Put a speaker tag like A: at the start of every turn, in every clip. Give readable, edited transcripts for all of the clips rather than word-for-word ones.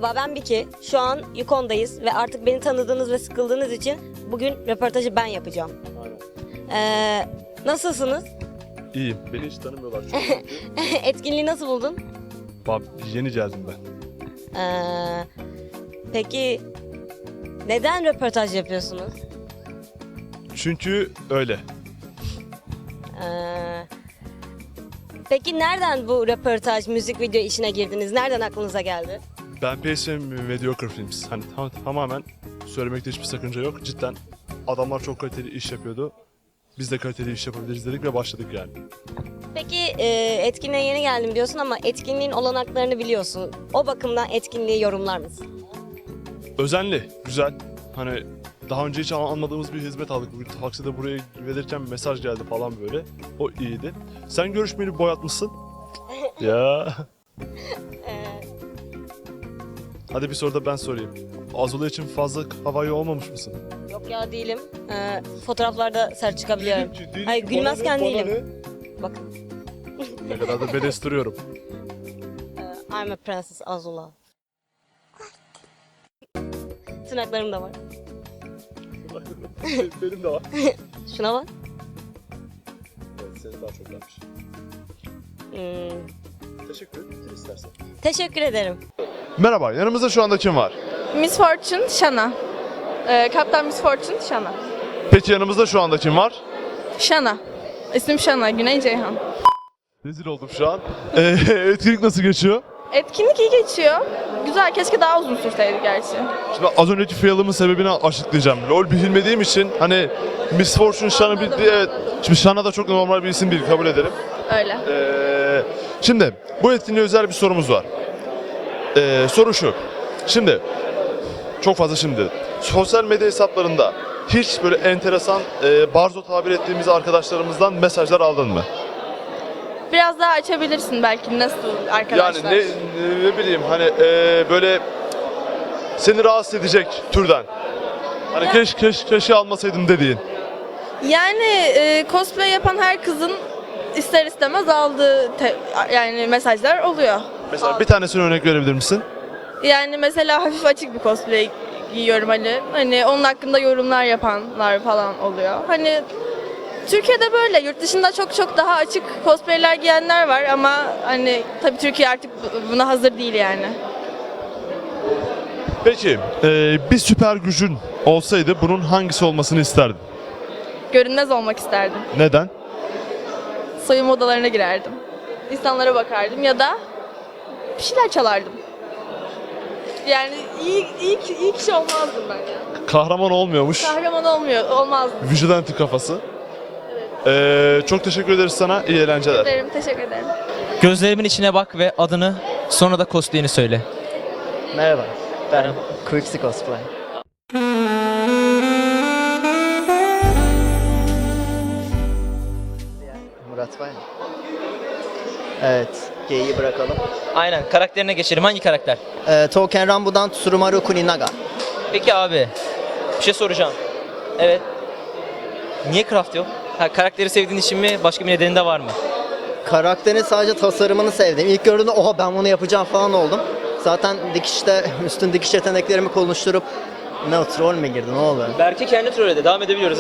A: Merhaba, ben Biki. Şu an Yukon'dayız ve artık beni tanıdığınız ve sıkıldığınız için bugün röportajı ben yapacağım. Nasılsınız?
B: İyiyim. Beni hiç tanımıyorlar çünkü.
A: Etkinliği nasıl buldun?
B: Yeni geldim ben.
A: Peki neden röportaj yapıyorsunuz?
B: Çünkü öyle.
A: Peki nereden bu röportaj, müzik video işine girdiniz? Nereden aklınıza geldi?
B: Ben PSM Mediocre Films. Hani tamamen söylemekte hiçbir sakınca yok. Cidden adamlar çok kaliteli iş yapıyordu. Biz de kaliteli iş yapabiliriz dedik ve başladık yani.
A: Peki etkinliğe yeni geldim diyorsun ama etkinliğin olanaklarını biliyorsun. O bakımdan etkinliği yorumlar mısın?
B: Özenli, güzel. Hani daha önce hiç almadığımız bir hizmet aldık. Bugün takside buraya gelirken mesaj geldi falan böyle. O iyiydi. Sen görüşmeni boyatmışsın. Ya. Hadi bir soru da ben sorayım. Azula için fazla havai olmamış mısın?
A: Yok ya, değilim. Fotoğraflarda sert çıkabiliyorum. Hayır, gülmezken değilim. Bakın.
B: Ne kadar da bedes duruyorum.
A: I'm a princess Azula. Tırnaklarım da var.
B: Benim de var.
A: Şuna bak.
B: Evet, senin daha çok varmış. Teşekkür ederim istersen.
A: Teşekkür ederim.
B: Merhaba, yanımızda şu anda kim var?
C: Miss Fortune Shana. Kaptan Miss Fortune Shana.
B: Peki yanımızda şu anda kim var?
C: Shana. İsmim Shana, Güney Ceyhan.
B: Rezil oldum şu an. Etkinlik nasıl geçiyor?
C: Etkinlik iyi geçiyor. Güzel, keşke daha uzun sürseydi gerçi.
B: Şimdi az önceki fail'ımın sebebini açıklayacağım. LoL bilmediğim için hani Miss Fortune Shana evet. Şimdi Shana da çok normal bir isim değil, kabul ederim.
C: Öyle.
B: Şimdi bu etkinliğe özel bir sorumuz var. Soru şu. Şimdi çok fazla şimdi sosyal medya hesaplarında hiç böyle enteresan barzo tabir ettiğimiz arkadaşlarımızdan mesajlar aldın mı?
C: Biraz daha açabilirsin belki, nasıl arkadaşlar?
B: Yani ne bileyim hani böyle seni rahatsız edecek türden. Hani keşke almasaydım dediğin.
C: Yani cosplay yapan her kızın ister istemez aldığı yani mesajlar oluyor.
B: Mesela bir tanesine örnek verebilir misin?
C: Yani mesela hafif açık bir cosplay giyiyorum hani. Hani onun hakkında yorumlar yapanlar falan oluyor. Hani Türkiye'de böyle, yurt dışında çok daha açık cosplayler giyenler var ama hani tabii Türkiye artık buna hazır değil yani.
B: Peki bir süper gücün olsaydı bunun hangisi olmasını isterdin?
C: Görünmez olmak isterdim.
B: Neden?
C: Soyunma odalarına girerdim. İnsanlara bakardım ya da bir şeyler çalardım. Yani iyi kişi olmazdım ben ya.
B: Kahraman olmuyormuş.
C: Kahraman olmazdım.
B: Vigilante kafası. Çok teşekkür ederiz sana. İyi eğlenceler.
C: Teşekkür ederim.
D: Gözlerimin içine bak ve adını, sonra da cosplay'ini söyle.
E: Merhaba, ben Quixi Cosplay. Murat var mı? Evet, G'yi bırakalım.
D: Aynen, karakterine geçelim. Hangi karakter?
E: Touken Ranbu'dan Tsurumaru Kuninaga.
D: Peki abi, bir şey soracağım. Evet. Niye craft yok? Ha, karakteri sevdiğin için mi, başka bir nedeni de var mı?
E: Karakterin sadece tasarımını sevdim. İlk gördüğümde oha ben bunu yapacağım falan oldum. Zaten dikişte, üstün dikiş yeteneklerimi konuşturup ne troll mü girdi, ne oldu?
D: Berke kendi trolledi, devam edebiliyoruz.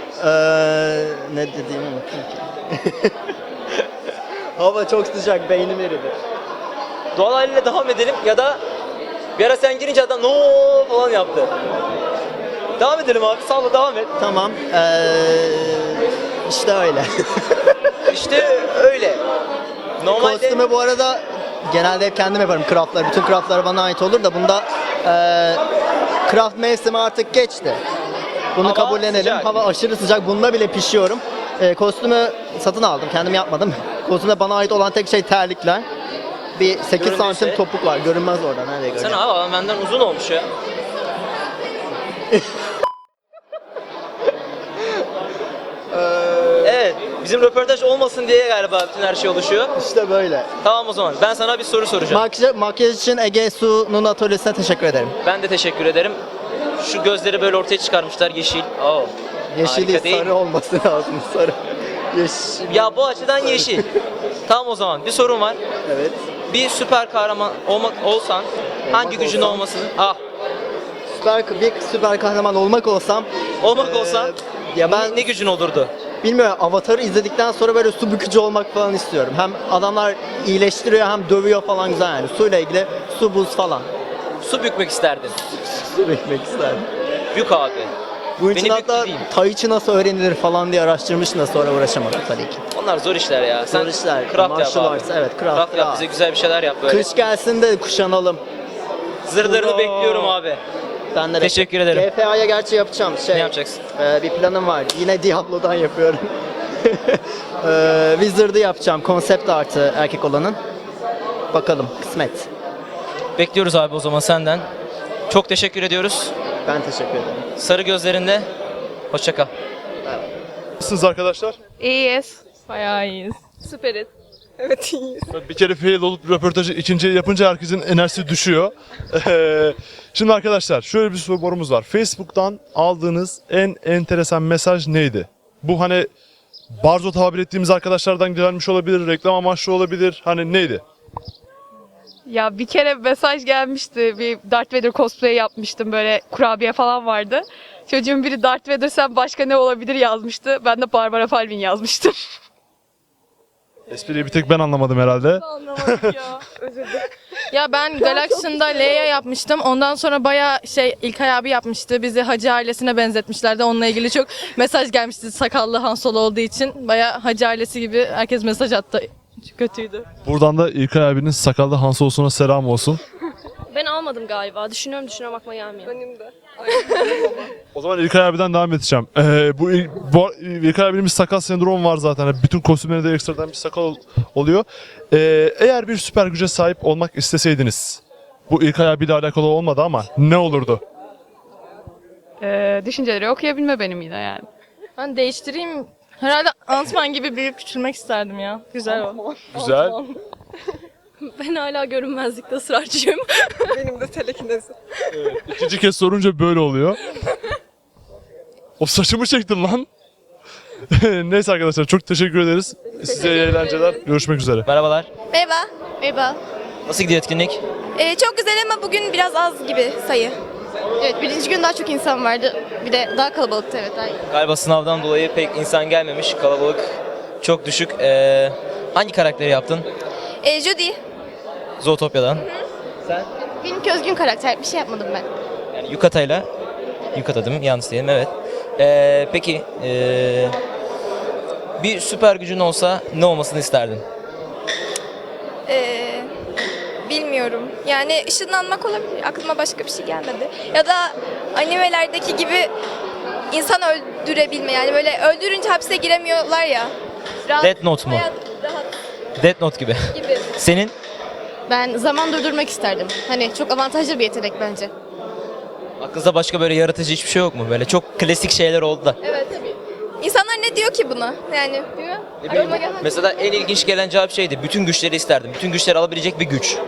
E: Ne dediğimi unuttum ki. Hava çok sıcak, beynim eridi.
D: Doğal haliyle devam edelim ya da bir ara sen girince adam no falan yaptı. Devam edelim abi, sağ devam et.
E: Tamam, işte öyle.
D: İşte öyle. Normalde...
E: Kostümü bu arada genelde hep kendim yaparım craftlar. Bütün craftlar bana ait olur da bunda craft mevsimi artık geçti. Bunu
D: Hava
E: kabullenelim.
D: sıcak.
E: Hava aşırı sıcak. Bunda bile pişiyorum. Kostümü satın aldım. Kendim yapmadım. Kostümde bana ait olan tek şey terlikler. Bir 8
D: Görünmezse-
E: santim topuk var. Görünmez orada. Nereye
D: Sen
E: görünüyor?
D: abi adam benden uzun olmuş ya. Evet, bizim röportaj olmasın diye galiba bütün her şey oluşuyor.
E: İşte böyle.
D: Tamam o zaman, ben sana bir soru soracağım.
E: Makyaj için Ege Su'nun atölyesine teşekkür ederim.
D: Ben de teşekkür ederim. Şu gözleri böyle ortaya çıkarmışlar, yeşil. Oo.
E: Yeşil
D: Harika
E: değil,
D: değil.
E: sarı olması lazım. Sarı. Yeşil.
D: Ya bu açıdan yeşil. Tamam o zaman, bir sorum var.
E: Evet.
D: Bir süper kahraman olsan Hangi gücün
E: olsam-
D: olmasını? Ah,
E: Bir süper kahraman olmak olsam
D: olmak olsa
E: ya ben
D: ne gücün olurdu?
E: bilmiyorum, Avatar'ı izledikten sonra böyle su bükücü olmak falan istiyorum. Hem adamlar iyileştiriyor hem dövüyor falan, güzel yani. Suyla ilgili su, buz falan.
D: Su bükmek isterdin.
E: Su bükmek isterdim.
D: Bük abi.
E: Bunun için
D: Beni
E: hatta
D: büktü diyeyim.
E: Tai Chi nasıl öğrenilir falan diye araştırmıştım da sonra uğraşamadım tabii ki.
D: Onlar zor işler ya. Sen
E: Zor işler.
D: craft yap
E: Martial
D: abi.
E: arts, evet, craft
D: Craft yap,
E: ya.
D: bize güzel bir şeyler yap böyle.
E: Kış gelsin de kuşanalım.
D: Zırhlarını
E: Ura!
D: bekliyorum abi.
E: Ben de
D: Teşekkür ederim.
E: GFA'ya gerçi yapacağım.
D: Ne yapacaksın?
E: Bir planım var. Yine Diablo'dan yapıyorum. Wizard'ı yapacağım. Konsept artı erkek olanın. Bakalım, kısmet.
D: Bekliyoruz abi o zaman senden. Çok teşekkür ediyoruz.
E: Ben teşekkür ederim.
D: Sarı gözlerinde. Hoşça kal.
B: Nasılsınız arkadaşlar?
C: İyiyiz. Bayağı iyiyiz. Süperiz. Evet iyiyiz.
B: Bir kere fail olup röportajı ikinciye yapınca herkesin enerjisi düşüyor. Şimdi arkadaşlar şöyle bir sorumuz var. Facebook'tan aldığınız en enteresan mesaj neydi? Bu hani barzo tabir ettiğimiz arkadaşlardan gelmiş olabilir, reklam amaçlı olabilir. Hani neydi?
F: Ya bir kere mesaj gelmişti. Bir Darth Vader cosplay yapmıştım. Böyle kurabiye falan vardı. Çocuğun biri Darth Vader sen başka ne olabilir yazmıştı. Ben de Barbara Palvin yazmıştım.
B: Espriyi bir tek ben anlamadım herhalde.
F: Anlamadım ya. Özür dilerim.
C: Ya ben Galaxion'da Leia yapmıştım. Ondan sonra bayağı İlkay abi yapmıştı. Bizi Hacı ailesine benzetmişlerdi. Onunla ilgili çok mesaj gelmişti. Sakallı Han Solo olduğu için. Bayağı Hacı ailesi gibi herkes mesaj attı. Kötüydü.
B: Buradan da İlkay abinin sakallı Hans olsuna selam olsun.
G: Ben almadım galiba. Düşünüyorum aklıma gelmiyor.
C: Benim de.
B: O zaman İlkay abiden devam edeceğim. Bu İlkay abinin bir sakal sendromu var zaten. Bütün kostümlerinde ekstradan bir sakal oluyor. Eğer bir süper güce sahip olmak isteseydiniz, bu İlkay abiyle alakalı olmadı ama ne olurdu?
F: Düşünceleri okuyabilme benim yine yani.
C: Ben değiştireyim. Herhalde Ant-Man gibi büyük küçülmek isterdim ya. Güzel o.
B: Güzel.
G: Ben hala görünmezlikte ısrarcıyım.
C: Benim de telekinezi.
B: İkinci kez sorunca böyle oluyor. O saçımı çektin lan. Neyse arkadaşlar çok teşekkür ederiz. Size iyi eğlenceler. Görüşmek üzere.
D: Merhabalar.
H: Merhaba. Merhaba.
D: Nasıl gidiyor etkinlik?
H: Çok güzel ama bugün biraz az gibi sayı. Evet, birinci gün daha çok insan vardı. Bir de daha kalabalıktı, evet. Daha iyi.
D: Galiba sınavdan dolayı pek insan gelmemiş. Kalabalık çok düşük. Hangi karakteri yaptın?
H: Judy.
D: Zootopya'dan.
H: Benimki özgün karakter. Bir şey yapmadım ben.
D: Yani Yukata'yla. Yukata değil mi? Yanlış diyelim, evet. Peki bir süper gücün olsa ne olmasını isterdin?
H: Bilmiyorum. Yani ışınlanmak olabilir. Aklıma başka bir şey gelmedi. Ya da animelerdeki gibi insan öldürebilme. Yani böyle öldürünce hapse giremiyorlar ya. Rahat,
D: Death Note mu?
H: hayat rahat
D: Death Note gibi.
H: gibi.
D: Senin?
H: Ben zaman durdurmak isterdim. Hani çok avantajlı bir yetenek bence.
D: Aklınızda başka böyle yaratıcı hiçbir şey yok mu? Böyle çok klasik şeyler oldu da.
H: Evet tabii. İnsanlar ne diyor ki buna? Yani değil mi?
D: Ne bileyim,
H: Aklıma gelmedi.
D: mesela en ilginç gelen cevap şeydi. Bütün güçleri isterdim. Bütün güçleri alabilecek bir güç.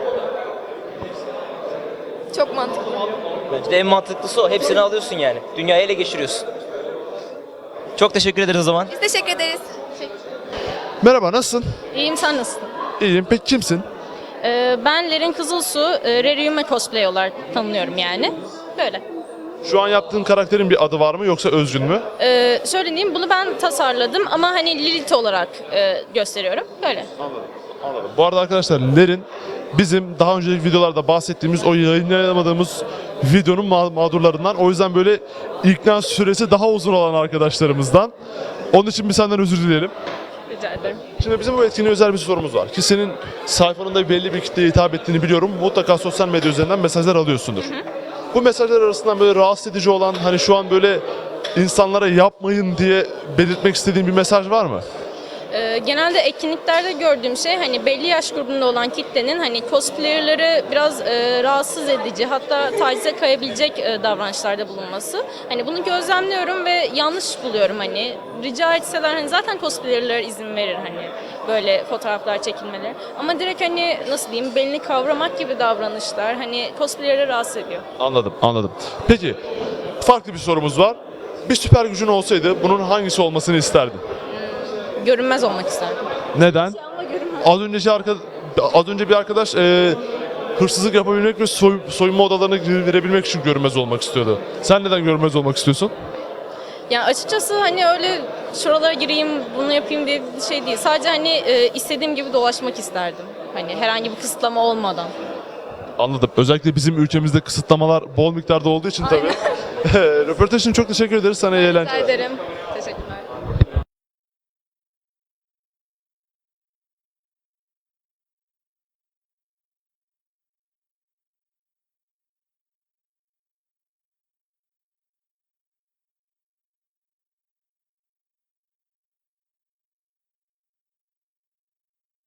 H: Çok mantıklı.
D: Bence de en mantıklısı o. Hepsini alıyorsun yani. Dünyayı ele geçiriyorsun. Çok teşekkür ederiz o zaman.
H: Biz teşekkür ederiz.
B: Merhaba nasılsın?
G: İyiyim, sen nasılsın?
B: İyiyim. Peki kimsin?
G: Ben Lerin Kızılsu, Reriume cosplay olarak tanınıyorum yani. Böyle.
B: Şu an yaptığın karakterin bir adı var mı yoksa özgün mü?
G: Söyleyeyim, bunu ben tasarladım ama hani Lilith olarak gösteriyorum. Böyle.
B: Anladım. Bu arada arkadaşlar Lerin bizim daha önceki videolarda bahsettiğimiz o yayınlayamadığımız videonun mağdurlarından. O yüzden böyle ikna süresi daha uzun olan arkadaşlarımızdan. Onun için bir senden özür dileyelim.
F: Rica ederim.
B: Şimdi bizim bu etkinliğe özel bir sorumuz var. Ki senin sayfanında belli bir kitleye hitap ettiğini biliyorum. Mutlaka sosyal medya üzerinden mesajlar alıyorsundur. Bu mesajlar arasından böyle rahatsız edici olan, hani şu an böyle insanlara yapmayın diye belirtmek istediğin bir mesaj var mı?
G: Genelde etkinliklerde gördüğüm şey hani belli yaş grubunda olan kitlenin hani cosplayer'ları biraz rahatsız edici, hatta tacize kayabilecek davranışlarda bulunması. Hani bunu gözlemliyorum ve yanlış buluyorum hani. Rica etseler hani zaten cosplayer'lara izin verir hani böyle fotoğraflar çekilmeleri. Ama direkt hani nasıl diyeyim, belini kavramak gibi davranışlar hani cosplayer'ları rahatsız ediyor.
B: Anladım. Peki farklı bir sorumuz var. Bir süper gücün olsaydı bunun hangisi olmasını isterdin?
G: Görünmez olmak isterdim.
B: Neden? Az önce bir arkadaş hırsızlık yapabilmek ve soyunma odalarına girebilmek için görünmez olmak istiyordu. Sen neden görünmez olmak istiyorsun?
G: Yani açıkçası hani öyle şuralara gireyim, bunu yapayım diye bir şey değil. Sadece hani istediğim gibi dolaşmak isterdim. Hani herhangi bir kısıtlama olmadan.
B: Anladım. Özellikle bizim ülkemizde kısıtlamalar bol miktarda olduğu için tabii. Röportaj için çok teşekkür ederiz. Sana iyi
G: Rica
B: eğlenceler.
G: ederim.